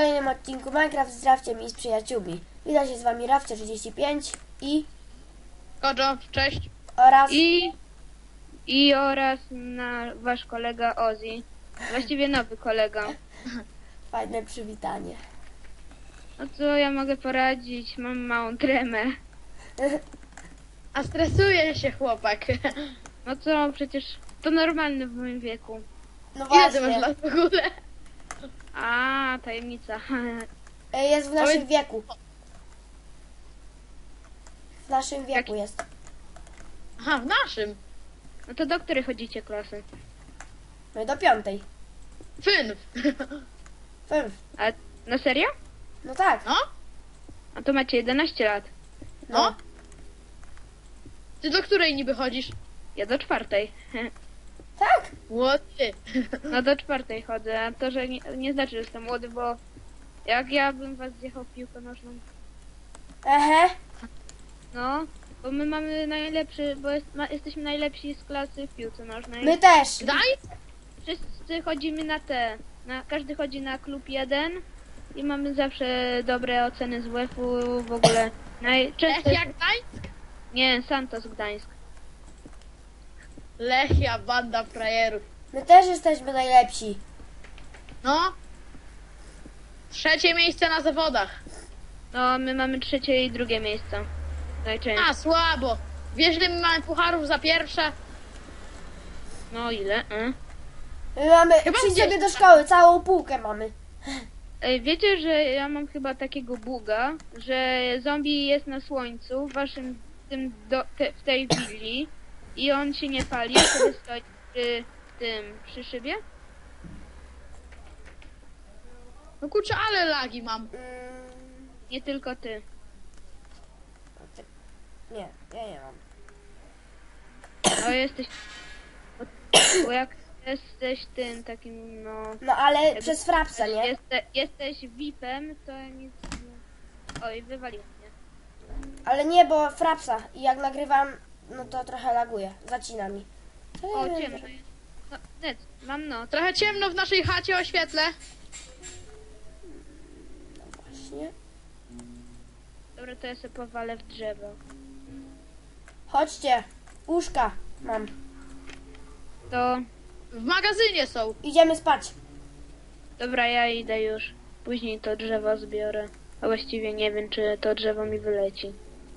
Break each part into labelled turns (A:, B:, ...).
A: kolejnym odcinku Minecraft z Rafciem i z przyjaciółmi. Witam się z wami Rafcie35 i...
B: Kojo, cześć.
A: oraz...
C: oraz wasz kolega Ozzy. Właściwie nowy kolega.
A: Fajne przywitanie.
C: No co ja mogę poradzić? Mam małą tremę.
B: A stresuje się chłopak.
C: No co, przecież to normalne w moim wieku.
A: No
B: Ile ty masz
A: właśnie,
B: lat w ogóle?
C: A, tajemnica.
A: jest w naszym
B: Powiedz-
A: wieku. W naszym wieku jest.
B: Aha, w naszym.
C: No to do której chodzicie klasy?
A: No i do 5.
B: Fynw.
A: 5.
C: A na serio?
A: No tak.
B: No?
C: A to macie 11 lat.
B: No? Ty do której niby chodzisz?
C: Ja do 4.
A: Tak?
B: Młody.
C: No do 4 chodzę, a to, że nie znaczy, że jestem młody, bo jak ja bym was zjechał w piłkę nożną.
A: Ehe.
C: No, bo my mamy najlepszy, bo jesteśmy najlepsi z klasy w piłce nożnej.
A: My też.
B: Daj?
C: Wszyscy chodzimy na te. Każdy chodzi na klub 1 i mamy zawsze dobre oceny z WF-u w ogóle. Często
B: Lechia Gdańsk?
C: nie, Santos Gdańsk.
B: Lechia, banda frajerów.
A: My też jesteśmy najlepsi.
B: No? Trzecie miejsce na zawodach.
C: No, my mamy trzecie i drugie miejsce. Najczęściej.
B: A, słabo. Wiesz, ile my mamy pucharów za pierwsze?
C: No ile?
A: My mamy...
B: Chyba
A: Przyjdziemy
B: gdzieś-
A: do szkoły, całą półkę mamy.
C: Ej, wiecie, że ja mam chyba takiego buga, że zombie jest na słońcu w waszym w tej willi i on się nie pali, a sobie stoi przy szybie?
B: No kurczę, ale lagi mam.
C: Nie tylko ty.
A: Nie, ja nie mam.
C: No jesteś... Bo jak jesteś tym takim, no...
A: No ale przez frapsa, nie?
C: Jesteś VIP-em, to nic nie... Oj, wywaliłem mnie.
A: Ale nie, bo frapsa. I jak nagrywam, no to trochę laguje. Zacina mi.
C: O, ciemno jest. No, net, mam noc.
B: Trochę ciemno w naszej chacie, oświetlę.
A: Właśnie.
C: Dobra, to ja sobie powalę w drzewo.
A: Chodźcie. Łóżka mam.
C: To...
B: W magazynie są.
A: Idziemy spać.
C: Dobra, ja idę już. Później to drzewo zbiorę. A właściwie nie wiem, czy to drzewo mi wyleci.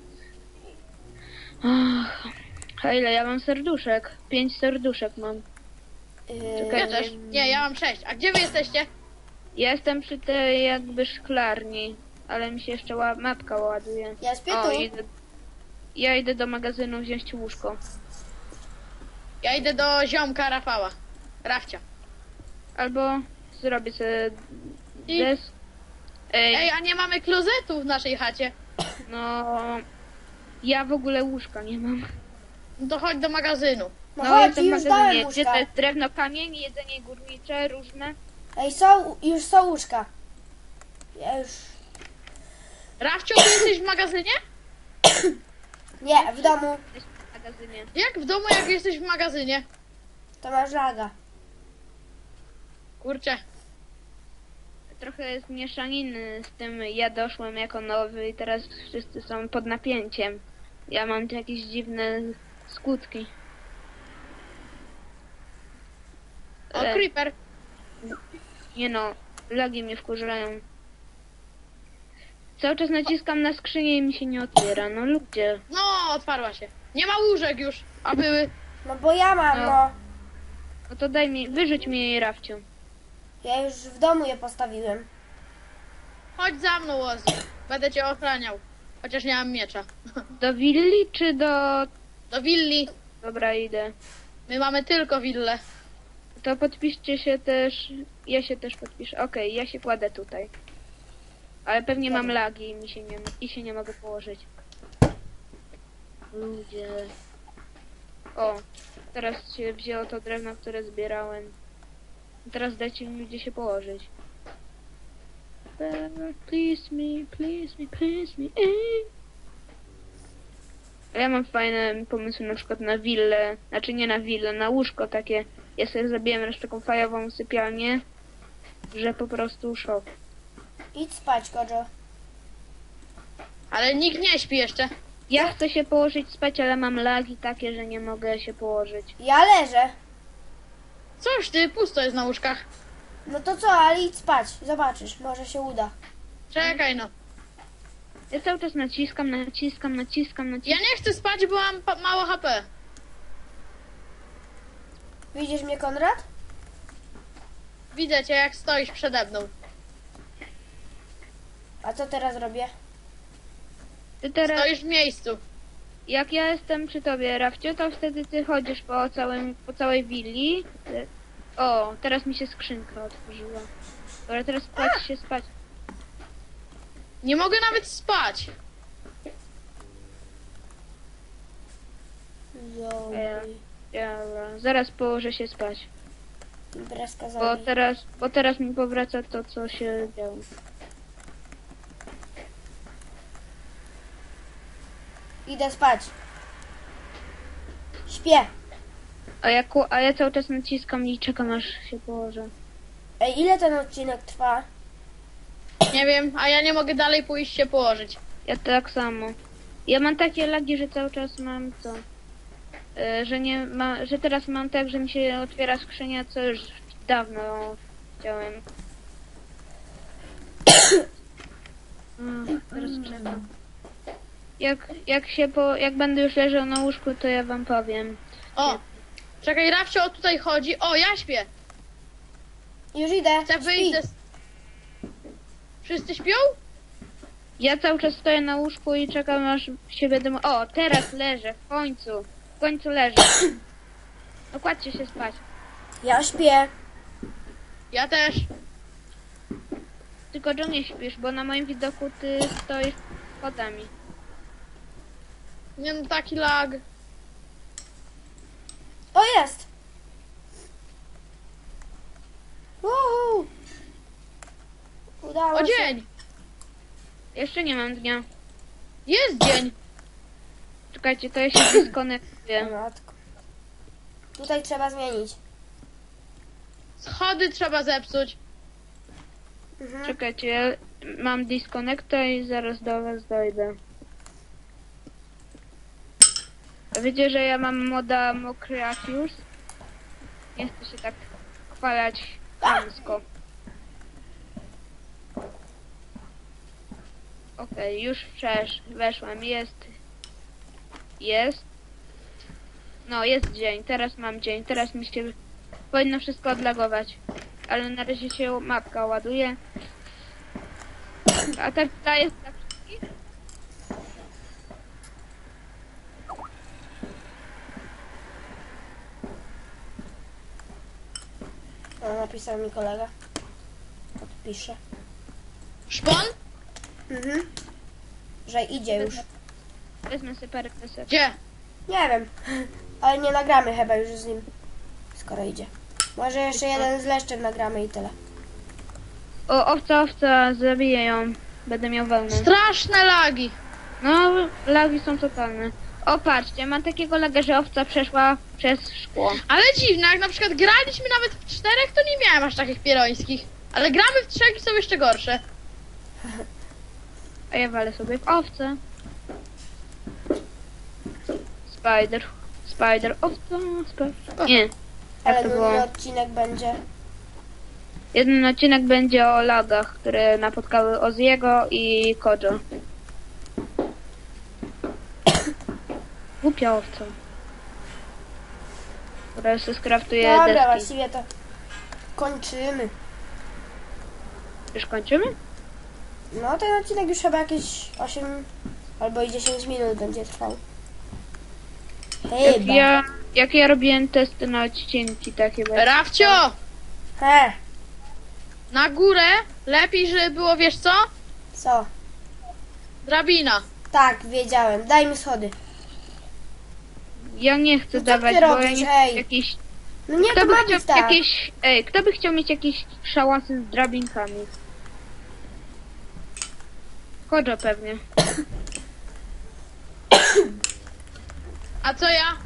C: Ach, a ile ja mam serduszek? 5 serduszek mam. Czekaj.
B: Ja też. Nie, ja mam 6. A gdzie wy jesteście?
C: Ja jestem przy tej jakby szklarni, ale mi się jeszcze mapka ładuje.
A: Ja śpię
C: O,
A: tu.
C: ja idę do magazynu wziąć łóżko.
B: Ja idę do ziomka Rafała. Rafcia.
C: Albo zrobię sobie
B: I-
C: des...
B: Ej, a nie mamy klozetu w naszej chacie.
C: No... Ja w ogóle łóżka nie mam.
B: No to chodź do magazynu.
A: No chodź,
C: jestem w
A: już dałem
C: magazynie. Gdzie to
A: łóżka.
C: jest drewno, kamień, jedzenie górnicze, różne.
A: Ej, już są łóżka. Ja już...
B: Rafcio, ty jesteś w magazynie?
A: Nie, w domu
C: Jesteśmy w magazynie.
B: Jak w domu, jak jesteś w magazynie?
A: to masz laga.
B: Kurczę.
C: Trochę jest mieszaniny z tym, ja doszłem jako nowy i teraz wszyscy są pod napięciem. Ja mam jakieś dziwne skutki.
B: O, creeper.
C: Nie no, lagi mnie wkurzają. Cały czas naciskam na skrzynię i mi się nie otwiera, no ludzie.
B: No, otwarła się. Nie ma łóżek już, a były.
A: No bo ja mam,
C: No.
A: no.
C: No to wyrzuć mi jej Rafciu.
A: Ja już w domu je postawiłem.
B: Chodź za mną, Ozzy. Będę cię ochraniał. Chociaż nie mam miecza.
C: Do willi czy do...
B: Do willi.
C: Dobra, idę.
B: My mamy tylko willę.
C: To podpiszcie się też. Ja się też podpiszę. Okej, ja się kładę tutaj. Ale pewnie mam
A: Dobra.
C: lagi i się nie mogę położyć. Ludzie. O, teraz się wzięło to drewno, które zbierałem. Teraz dajcie mi gdzie się położyć. Please me, please me, please me. Ja mam fajne pomysły na przykład na willę, znaczy nie na willę, na łóżko takie. Ja sobie zrobiłem raz taką fajową sypialnię, że po prostu szok.
A: Idź spać, Kojo.
B: Ale nikt nie śpi jeszcze.
C: Ja chcę się położyć spać, ale mam lagi takie, że nie mogę się położyć.
A: Ja leżę.
B: Coś ty, pusto jest na łóżkach.
A: No to co, ale idź spać. Zobaczysz, może się uda.
B: Czekaj no.
C: Ja cały czas naciskam.
B: Ja nie chcę spać, bo mam mało HP.
A: Widzisz mnie, Konrad?
B: Widzę cię, jak stoisz przede mną.
A: A co teraz robię?
C: Ty teraz,
B: Stoisz w miejscu.
C: jak ja jestem przy tobie, Rafcio, to wtedy ty chodzisz po całej willi. O, teraz mi się skrzynka otworzyła. Dobra, teraz spać.
B: Nie mogę nawet spać.
A: Zombie.
C: Dobra, zaraz położę się spać.
A: Imprezka
C: Bo
A: zombie.
C: teraz mi powraca to, co się działo.
A: Idę spać. Śpię.
C: A ja cały czas naciskam i czekam, aż się położę.
A: Ej, ile ten odcinek trwa?
B: Nie wiem, a ja nie mogę dalej pójść się położyć.
C: Ja tak samo. Ja mam takie lagi, że cały czas mam to. Że teraz mam tak, że mi się otwiera skrzynia, co już dawno chciałem. Teraz czekam. Jak będę już leżał na łóżku, to ja wam powiem.
B: O! Czekaj, Rafcio tutaj chodzi. O, ja śpię.
A: Już idę.
B: Chcę wyjść ze... Wszyscy śpią?
C: Ja cały czas stoję na łóżku i czekam, aż się będę... O, teraz leżę, w końcu. W końcu leżę. No kładźcie się spać.
A: Ja śpię.
B: Ja też.
C: Tylko John nie śpisz, bo na moim widoku ty stoisz schodami.
B: Nie no, taki lag.
A: O, jest. Uhu. Udało
B: O,
A: się.
B: dzień.
C: Jeszcze nie mam dnia.
B: Jest dzień.
C: Czekajcie, to ja się
A: O
C: dyskonektuję.
A: matko. Tutaj trzeba zmienić.
B: Schody trzeba zepsuć.
A: Mhm.
C: Czekajcie, ja mam disconnecta i zaraz do was dojdę. Wiecie, że ja mam moda Mokratius? Nie chcę się tak chwalać chamsko. Okej, już weszłam. Jest. No, jest dzień. Teraz mam dzień. Teraz mi się powinno wszystko odlagować. Ale na razie się mapka ładuje. A ta jest dla wszystkich?
A: O, napisał mi kolega. Odpiszę.
B: Szpon?
A: Mhm. Że idzie już.
C: Wezmę sobie parę kresek.
B: Gdzie?
A: Nie wiem. Ale nie nagramy chyba już z nim. Skoro idzie. Może jeszcze jeden z leszczem nagramy i tyle.
C: O, owca, zabiję ją. Będę miał wełnę.
B: Straszne lagi.
C: No, lagi są totalne. O, patrzcie, mam takiego laga, że owca przeszła przez szkło.
B: Ale dziwne, jak na przykład graliśmy nawet w 4, to nie miałem aż takich pierońskich. Ale gramy w 3 i są jeszcze gorsze.
C: A ja walę sobie w owce. Spider, owca, spider. Nie,
A: Ale
C: to było?
A: nudny odcinek będzie.
C: jeden odcinek będzie o lagach, które napotkały Oziego i Kojo. Głupia owca. Dobra, sobie skraftuję
A: Dobra,
C: deski.
A: właściwie to kończymy.
C: Już kończymy?
A: No ten odcinek już chyba jakieś 8 albo i 10 minut będzie trwał. Chyba.
C: Jak ja robiłem testy na odcinki takie właśnie.
B: Rafcio!
A: He,
B: Na górę lepiej, żeby było, wiesz co?
A: co?
B: Drabina.
A: Tak, wiedziałem. Daj mi schody.
C: Ja nie chcę
A: No co
C: dawać,
A: ty
C: bo ja
A: robisz,
C: nie chcę
A: ej?
C: jakiś...
A: No nie,
C: Kto
A: to
C: by,
A: ma
C: chciał
A: być tak.
C: jakieś, kto by chciał mieć jakieś szałasy z drabinkami? Kojo pewnie.
B: A co ja?